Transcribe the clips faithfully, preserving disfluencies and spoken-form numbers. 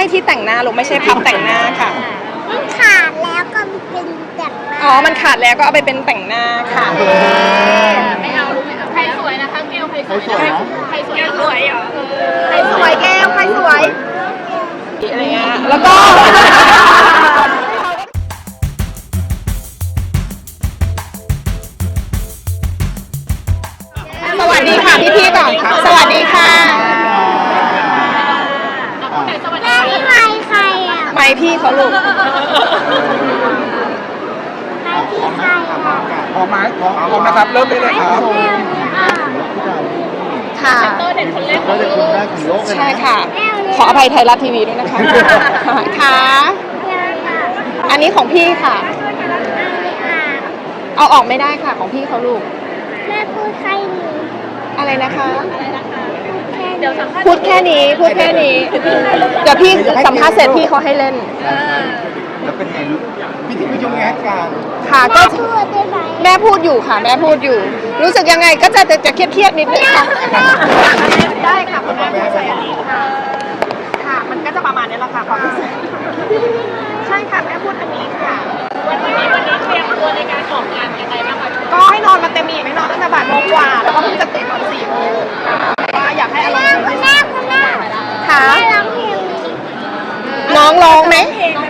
ช่ที่แต่งหน้าลูกไม่ใช่พับแต่งหน้าค่ะมันขาดแล้วก็เป็นแต่งหน้าอ๋อมันขาดแล้วก็เอาไปเป็นแต่งหน้าค่ะไม่เอาใครสวยนะคะเกลใครสวยใครสวยสวยเหรอใครสวยแก้วใครสวยอะไรเงี้ยแล้วก็สวัสดีค่ะพี่ๆก่อนสวัสดีค่ะแม่พี่ไม้ใครอ่ะไม้พี่เขาลูกไม้พี่ใครอ่ะพร้อมไหมพร้อมพร้อมนะครับเริ่มได้เลยครับค่ะเด็กคนแรกขเราองจะโลคุณกได้ของโลกเลยใช่ค่ะขออภัยไทยรัฐทีวีด้วยนะคะค่ะอันนี้ของพี่ค่ะเอาออกไม่ได้ค่ะของพี่เขาลูกแม่พูดใครหนูอะไรนะคะเดี๋ยวสัมภาษณ์พูดแค่นี้พูดแค่นี้เดี๋ยวพี่สัมภาษณ์เสร็จพี่เขาให้เล่นแล้วเป็นไงลูกพี่ที่ผู้ชมงานการค่ะก็พูดได้ไหมแม่พูดอยู่ค่ะแม่พูดอยู่รู้สึกยังไงก็จะจะเครียดเครียดนิดนึงค่ะได้ค่ะคุณแม่พูดใส่อันนี้ค่ะค่ะมันก็จะประมาณนี้แหละค่ะความรู้สึกใช่ค่ะแม่พูดอันนี้ค่ะวันนี้วันนี้เตรียมตัวในการออกงานยังไงบ้างคะก็ให้นอนมาเต็มอิ่มให้นอนตั้งแต่บ่ายโมงกว่าแล้วก็เพิ่งจะตื่นตอนสี่โมงว่าอยากให้อารมณ์ดีที่สุดค่ะน้องร้องไหม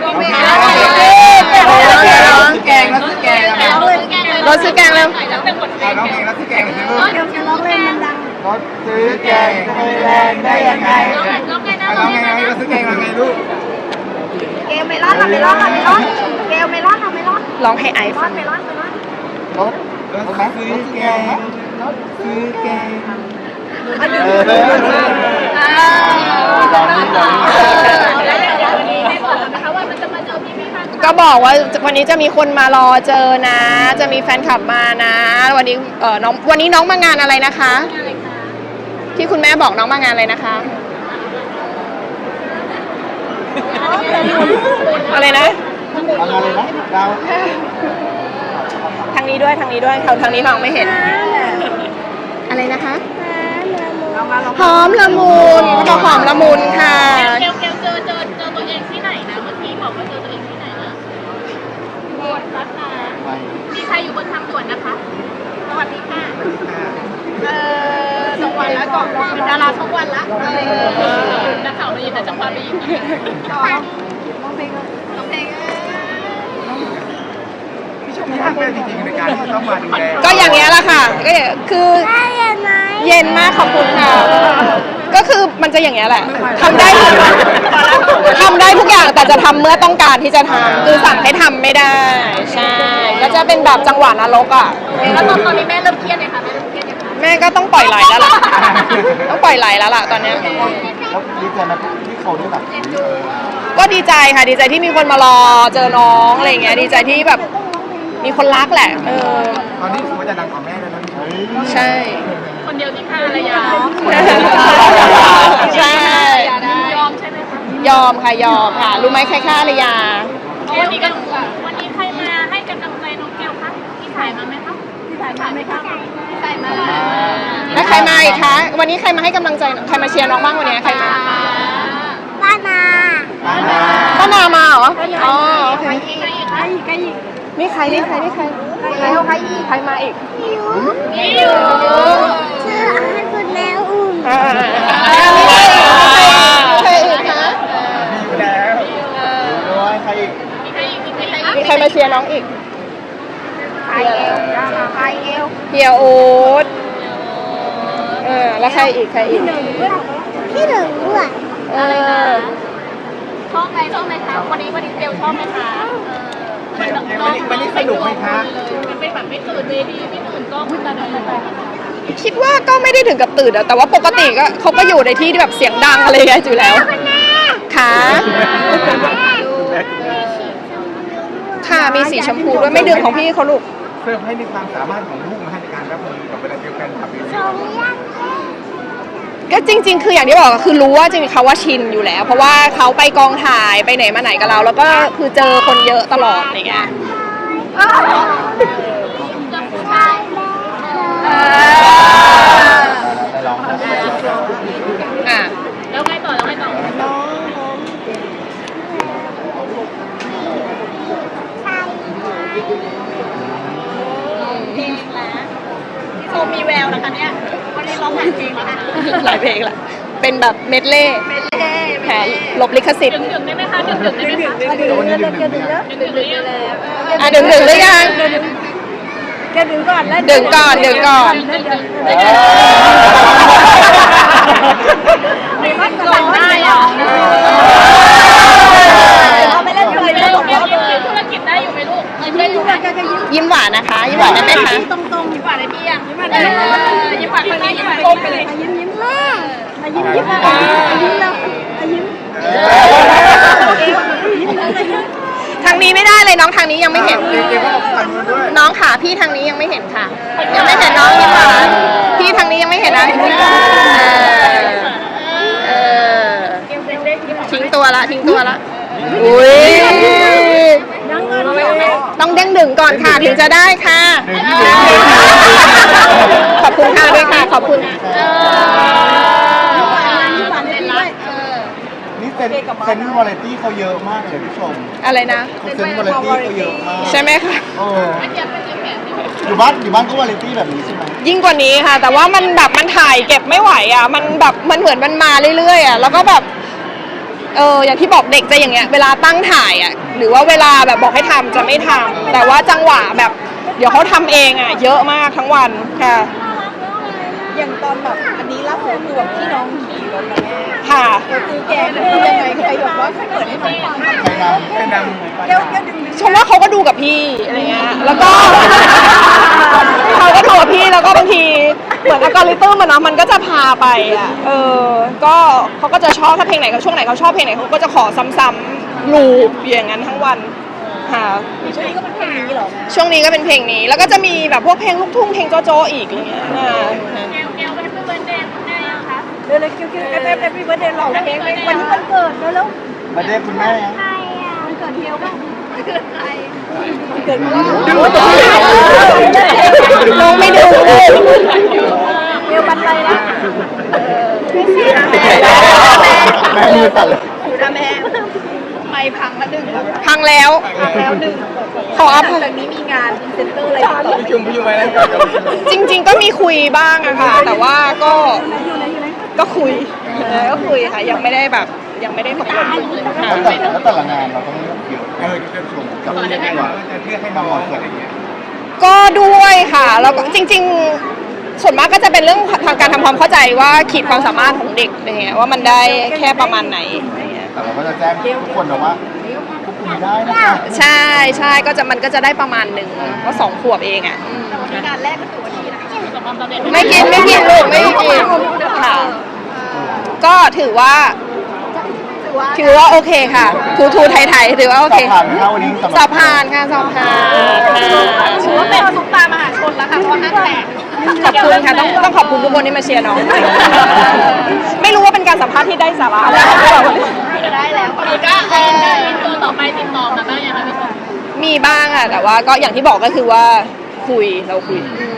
ร้องแกงแล้วซื้อแกงแล้วรถซื้อแกงเร็วร้องเพลงแล้วซื้อแกงเลยลูกเดี๋ยวจะร้องเล่นมันดังรถซื้อแกงจะไปแรงได้ยังไงร้องไงนะร้องไงรถซื้อแกงร้องไงลูกเกลเมลอนเมลอนเมลอนเกลเมลอนเมลอนร้องให้ไอซ์ฟังเมลอนเมลอนรถรถซื้อแกงรถซื้อแกงเออตอนนี้ตอนนี้ก็บอกว่าวันนี้จะมีคนมารอเจอนะจะมีแฟนคลับมานะวันนี้เออน้องวันนี้น้องมางานอะไรนะคะที่คุณแม่บอกน้องมางานอะไรนะคะอะไรนะทำงานเลยนะดาวทางนี้ด้วยทางนี้ด้วยเขาทางนี้มองไม่เห็นอะไรนะคะหอมละมุนเขาบอกหอมละมุนค่ะเกลเกลเจอเจอเจอตัวเองที่ไหนนะเมื่อกี้บอกว่าเจอตัวเองที่ไหนนะบนรัตนามีใครอยู่บนทางด่วนนะคะสวัสดีค่ะเออสองวันแล้วก่อนเป็นดาราช่องวันละนักข่าวมายินแต่จังหวะไปยินน้องเพลงน้องเพลงพี่ชมมากเลยจริงๆในการที่ต้องมาดูแลก็อย่างเงี้ยแหละค่ะก็คือเย็นมากขอบคุณค่ะก็คือมันจะอย่างเงี้ยแหละทำได้ทำได้ทุกอย่างแต่จะทำเมื่อต้องการที่จะทำคือสั่งให้ทำไม่ได้ใช่ก็จะเป็นแบบจังหวะนรกอ่ะแล้วตอนตอนนี้แม่เริ่มเครียดเลยค่ะแม่เริ่มเครียดยังคะแม่ก็ต้องปล่อยไหลแล้วล่ะต้องปล่อยไหลแล้วล่ะตอนนี้แล้วดีใจไหมที่เขาได้แบบก็ดีใจค่ะดีใจที่มีคนมารอเจอน้องอะไรเงี้ยดีใจที่แบบมีคนรักแหละเออตอนนี้ถือว่าจะดังกว่าแม่แล้วนะใช่คนเดียวที่ฆ่าภรรยาใช่ยอมใช่ไหมคะยอมค่ะยอมค่ะรู้ไหมใครฆ่าภรรยาวันนี้ก็วันนี้ใครมาให้กำลังใจน้องแก้วคะพี่ถ่ายมาไหมคะพี่ถ่ายมาไหมคะพี่ถ่ายมาแล้วใครมาอีกคะวันนี้ใครมาให้กำลังใจใครมาเชียร์น้องบ้างวันนี้ใครมาป้านาป้านามาเหรออ๋อโอเคใครอีกใครอีกใครอีกนี่ใครนี่ใครนี่ใครใครใครอีกใครมาอีกยูนี่อยู่เชื่อให้คุณแม่อุ่นใครอีกคะมีแล้วด้วยใครอีกมีใครอีกมีใครอีกมีใครมาเชียร์น้องอีกใครเอวใครเอวเฮียโอ๊ตเออแล้วใครอีกใครอีกพี่หนึ่งด้วยเออชอบไหมชอบไหมคะวันนี้วันนี้เกลชอบไหมคะวันนี้วันนี้สนุกไหมคะมันเป็นแบบไม่ตื่นเวทีไม่ตื่นก็คุณตาดีคิดว่าก็ไม่ได้ถึงกับตื่นแต่ว่าปกติก็เขาก็อยู่ในที่ที่แบบเสียงดังอะไรอย่างเงี้ยอยู่แล้วค่ะค่ะมีสีชมพูด้วยไม่ดื่มของพี่เขาลูกเพิ่มให้มีความสามารถของลูกมาให้ในการรับมือกับเวลาเดียวกันขับวิวก็จริงๆคืออย่างที่บอกคือรู้ว่าจริงๆเขาว่าชินอยู่แล้วเพราะว่าเขาไปกองถ่ายไปไหนมาไหนกับเราแล้วก็คือเจอคนเยอะตลอดอย่างเงี้ยอ่ะแล้วไงต่อแล้วไงต่อเป็นแบบเมดเล่เมเล่แผลลบลิขสิทธิ์ดึงดึงได้ไหมคะดึงดึงได้ไหมคะดึงดึงดึงดึงดึงดึงดึงดึงหรือยังอ่ะดึงดึงหรือยังแกดึงก่อนแล้วดึงก่อนดึงก่อนไม่ว่าจะหลังได้เหรอเอาไปเล่นเลยเล่เล่นนของเล่เรานธุรกิจได้อยู่ไหมลูกได้อยู่ไหมยิ้มหวานนะคะยิ้มหวานได้ไหมคะตรงตรงยิ้มหวานเลยพี่อ่ะยิ้มหวานเลยยิ้มหวานคนนี้ยิ้มหวานก้มไปเลยยิ้มยิ้มแม่ยิ้มยิ้มยิ้มแล้วยิ้มทางนี้ไม่ได้เลยน้องทางนี้ยังไม่เห็นเกมก็ออกทางนู้นด้วยน้องขาพี่ทางนี้ยังไม่เห็นค่ะ ยังไม่เห็นน้องยิ้มหวานพี่ทางนี้ยังไม่เห็นนะเออเออทิ้งตัวละทิ้งตัวละอุ้ยต้องเด้งดึงก่อนค่ะถึงจะได้ค่ะ ขอบคุณค่ะด้วยค่ะขอบคุณนี่เซนเซนวาไรตี้เขาเยอะมากเลยผู้ชมอะไรนะเซนวาไรตี้เขาเยอะมากใช่ไหมคะเอออยู่บ้านอยู่บ้านก็วาไรตี้แบบนี้ใช่ไหมยิ่งกว่านี้ค่ะ แต่ว่ามันแบบมันถ่ายเก็บไม่ไหวอ่ะมันแบบมันเหมือนมันมาเรื่อยๆอ่ะแล้วก็แบบเอออย่างที่บอกเด็กจะอย่างเงี้ยเวลาตั้งถ่ายอ่ะหรือว่าเวลาแบบบอกให้ทำจะไม่ทำแต่ว่าจังหวะแบบ เดี๋ยวเขาทำเองอ่ะเยอะมากทั้งวันค่ะอย่างตอนแบบอันนี้ล่าสุดคือแบบที่น้องขี่รถนะแม่ค่ะคือแกคือยังไงใครบอกว่าเขาเปิดให้น้องฟังใครนำใครนำเดี๋ยวเดี๋ยวดึงชมว่าเขาก็ดูกับพี่อะไรเงี้ยแล้วก็ เขาก็ดูกับพี่แล้วก็บางทีเหมือนอัลกอริทึมมันเนาะมันก็จะพาไปอ่ะเออก็เขาก็จะชอบถ้าเพลงไหนเขาช่วงไหนเขาชอบเพลงไหนเขาก็จะขอซ้ำๆลูปอย่างนั้นทั้งวันค่ะช่วงนี้ก็เป็นเพลงนี้เหรอแม่ช่วงนี้ก็เป็นเพลงนี้แล้วก็จะมีแบบพวกเพลงลูกทุ่งเพลงโจ๊ะๆอีกอะไรเงี้ยอ่าแกวแกวเป็นเพื่อนเดย์คุณแม่ยังคะเดี๋ยวเลยคิวคิวเอฟเอฟเอฟวีเบิร์ดเดย์หล่อเพลงวันนี้วันเกิดแล้วแล้วมาเด้คุณแม่ยังวันเกิดเทียวบ้างเกิดใครวันเกิดพ่อน้องไม่ดูเลยเทียววันอะไรนะแม่มือสั่นเลยอยู่นะแม่ไม่พังละหนึ่งพังแล้วพังแล้วหนึ่งขออภัยจากนี้มีงานพรีเซนเตอร์อะไรต่อพี่จุ่มพี่จุ่มไปแล้วก่อนจริง ๆ ก็มีคุยบ้างอะค่ะ แต่ว่าก็ก็คุยเออก็คุยค่ะ ยังไม่ได้แบบยังไม่ได้ตกลงค่ะแล้วแต่แล้วแต่ละงานเราต้องเลือกเยอะเออจะชมกับเลือกให้ว่าจะเลือกให้น้องอะไรอย่างเงี้ยก็ด้วยค่ะแล้วก็จริง ๆ ส่วนมากก็จะเป็นเรื่องทางการทำความเข้าใจว่าขีดความสามารถของเด็กอะไรเงี้ยว่ามันได้แค่ประมาณไหนอะไรเงี้ยแต่เราก็จะแจ้งทุกคนนะว่าควบคุมได้นะคะใช่ใช่ก็จะมันก็จะได้ประมาณหนึ่งเพราะสองขวบเองอ่ะอืมงานแรกก็ถือว่าดีนะประสบความสำเร็จไม่กินไม่กินลูกไม่กินค่ะ ก็ถือว่า ถือว่าโอเคค่ะ ทูทูไทยไทยถือว่าโอสอเคบผ่านเข้าวันนี้สำหรับสอบผ่านค่ะสอบผ่านถือว่าเป็นซุปตามหาชนแล้วค่ะเพราะห้างแตกขอบคุณค่ะต้องต้องขอบคุณทุกคนที่มาเชียร์น้อง ไม่รู้ว่าเป็นการสัมภาษณ์ที่ได้สาระอะไรหรือเปล่าได้แล้วคนนี้ก็เออตัวต่อไปติดต่อมาบ้างยังคะพี่ชมมีบ้างอะแต่ว่าก็อย่างที่บอกก็คือว่าคุยเราคุย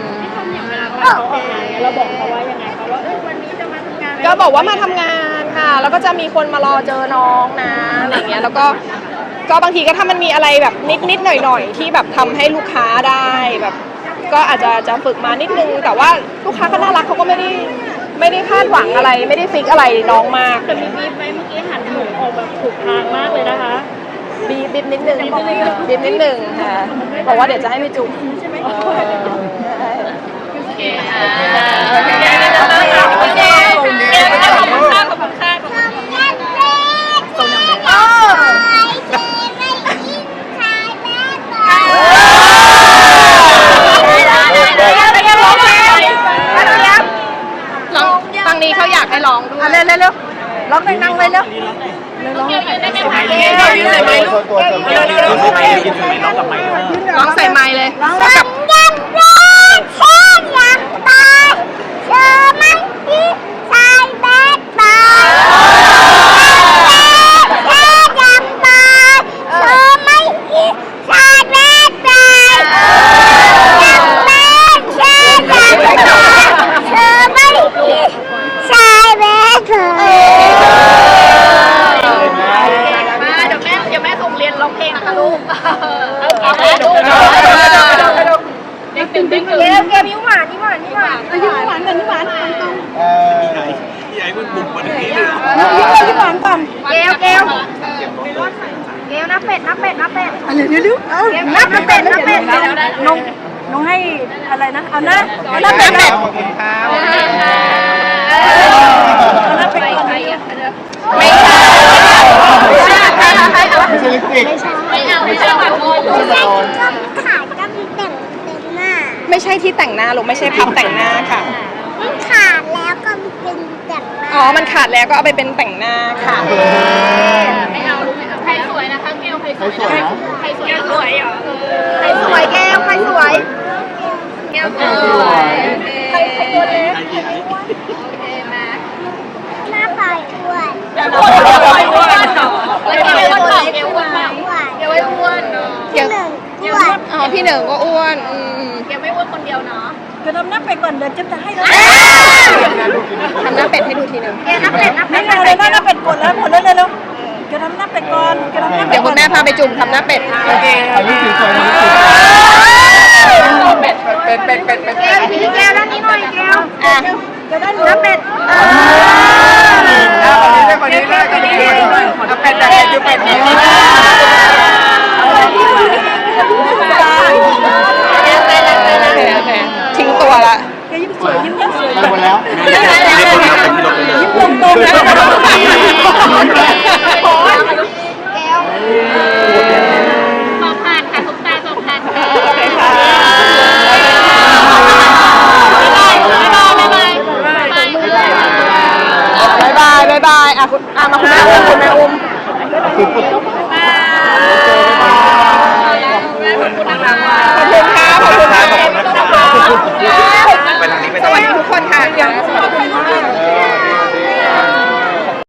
เราบอกเขาว่ายังไงเขาว่าเออวันนี้จะมาทำงานก็บอกว่ามาทำงานค่ะ แล้วก็จะมีคนมารอเจอน้องนะอะไรเงี้ยแล้วก็ก็บางทีก็ถ้ามันมีอะไรแบบนิดนิดหน่อยหน่อยๆที่แบบทำให้ลูกค้าได้แบบ ก็อาจจะจะฝึกมานิดนึง แต่ว่าลูกค้าก็น่ารักเขาก็ไม่ได้ไม่ได้คาดหวังอะไร ไม่ได้ฟิกอะไรน้องมากแต่มีบีบไหมเมื่อกี้หันหนูออกแบบถูกทางมากเลยนะคะบีบบีบนิดนึงบีบนิดนึงค่ะบอกว่าเดี๋ยวจะให้ไปจุ๊บใช่ไหมโอเคค่ะโอเคขอบคุณค่ะขอบคุณค่ะขอบคุณค่ะขอบคุณค่ะร้องฟังนี้เขาอยากให้ร้องด้วยเร็วเร็วเร็วร้องหน่อยนั่งเลยเร็วเกี่ยวยืนได้ไหมคะตัวตัวตัวตัวร้องใส่ไมค์เลยร้องกับมาเดี๋ยวแม่เดี๋ยวแม่ส่งเรียนร้องเพลงนะคะลูกเอาแม่ลูกเดี๋ยวดูเอานับเป็ดนับเป็ดน้องน้องให้อะไรนะเอาหน้าเอาหน้าเป็ดขอบคุณครับเอาหน้าเป็ดก่อนไม่ใช่ไม่ใช่ลิปสติกไม่เอาไม่เอาแบบโง่ไม่ใช่ตอนขาดก็มีแต่งเต็มหน้าไม่ใช่ที่แต่งหน้าลูกไม่ใช่พับแต่งหน้าค่ะมันขาดแล้วก็เป็นแต่งหน้าอ๋อ มันขาดแล้วก็เอาไปเป็นแต่งหน้าค่ะไม่เอาไม่เอาใครสวยนะคะเกลใครสใครวยสวยนะใครสวยสวยเหรอใครสวยแก้วใครสวยเกลสสววย ยใครใครตัวเล็กโอเคมาหน้าปลายอ้วนเกลอ้วนเหรอแล้วเกลอ้วนเปล่าเกลอ้วนเปล่าอ้วนเกลไม่อ้วนเนาะเดี๋ยวหนึ่งอ้วนอ๋อ พี่เหนิงก็อ้วนอืมเกลไม่อ้วนคนเดียวเนาะจะทำหน้าเป็ดก่อนเดี๋ยวจะจะให้เราทำหน้าเป็ดให้ดูทีหนึงแกนับเป็ดนับเป็ดอะไรนะหน้าเป็ดกดแล้วกดแล้วเร็วๆจะทำหน้าเป็ดก่อนจะทำหน้าเป็เดี๋ดยวคุณแม่พาไปจุ่มทำหน้าเป็ดโอเคอันนี้สีสวยนะเป็ดเป็ดเป็ดเป็ดแก้วพี่แก้วด้านนี้หน่อยแก้วอ่ะจะได้หน้าเป็ดเออคนนี้เลยคนนี้เลยคนนี้เลยเอาเป็ดแต่เป็ดดูเป็ดนี้โอเคโอเคทิ้งตัวละแกยิ้มสวยยิ้มยิ้มสวยไปหมดแล้วยิ้มตรงๆนะ